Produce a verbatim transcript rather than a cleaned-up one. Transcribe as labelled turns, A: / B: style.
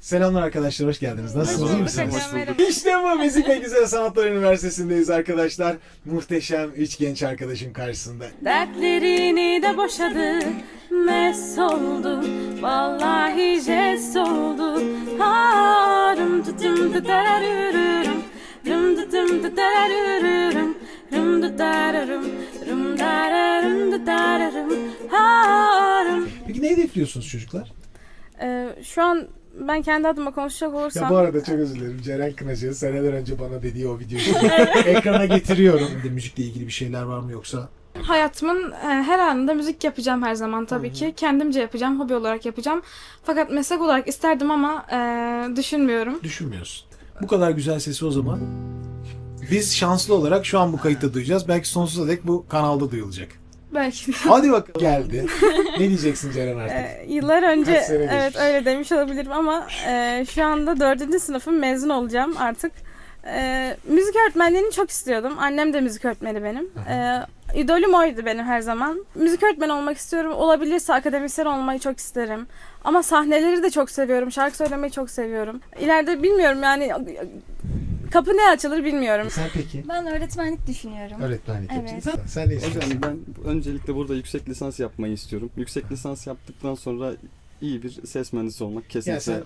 A: Selamlar arkadaşlar, hoş geldiniz. Nasılsınız? İyi misiniz?
B: Hoş bulduk.
A: İşte bu Müzik ve Güzel Sanatlar Üniversitesi'ndeyiz arkadaşlar. Muhteşem üç genç arkadaşım karşısında.
B: Dertlerini de boşadı, mes oldu, vallahi jest oldu. Ha, rum tutum tutararırırım, rum tutum tutararırırım, rum tutararım, rum dararım tutararım, ha, rum.
A: Peki ne hedefliyorsunuz çocuklar?
B: Ee, şu an ben kendi adıma konuşacak olursam...
A: Ya bu arada çok özür dilerim. Ceren Kınacı'nın seneler önce bana dediği o videoyu şimdi ekrana getiriyorum. Bir de müzikle ilgili bir şeyler var mı yoksa?
C: Hayatımın e, her anında müzik yapacağım her zaman tabii
A: Hı hı.
C: ki. Kendimce yapacağım, hobi olarak yapacağım. Fakat meslek olarak isterdim ama e, düşünmüyorum.
A: Düşünmüyorsun. Bu kadar güzel sesi o zaman. Biz şanslı olarak şu an bu kayıtta duyacağız. Belki sonsuza dek bu kanalda duyulacak.
C: Belki de.
A: Hadi bakalım. Geldi. Ne diyeceksin Ceren artık?
B: Ee, yıllar önce
A: Kaç sene
B: evet
A: geçmiş?
B: öyle demiş olabilirim ama e, şu anda dördüncü sınıfım, mezun olacağım artık. E, müzik öğretmenliğini çok istiyordum. Annem de müzik öğretmeni benim. E, idolüm oydu benim her zaman. Müzik öğretmeni olmak istiyorum. Olabilirse akademisyen olmayı çok isterim. Ama sahneleri de çok seviyorum. Şarkı söylemeyi çok seviyorum. İleride bilmiyorum yani kapı ne açılır bilmiyorum.
A: Sen peki?
D: Ben öğretmenlik düşünüyorum.
A: Öğretmenlik
D: Evet.
A: yapacaksın. Sen ne istiyorsun?
E: Hocam ben öncelikle burada yüksek lisans yapmayı istiyorum. Yüksek lisans yaptıktan sonra iyi bir ses mühendisi olmak
A: Yani
E: kesinlikle
A: sen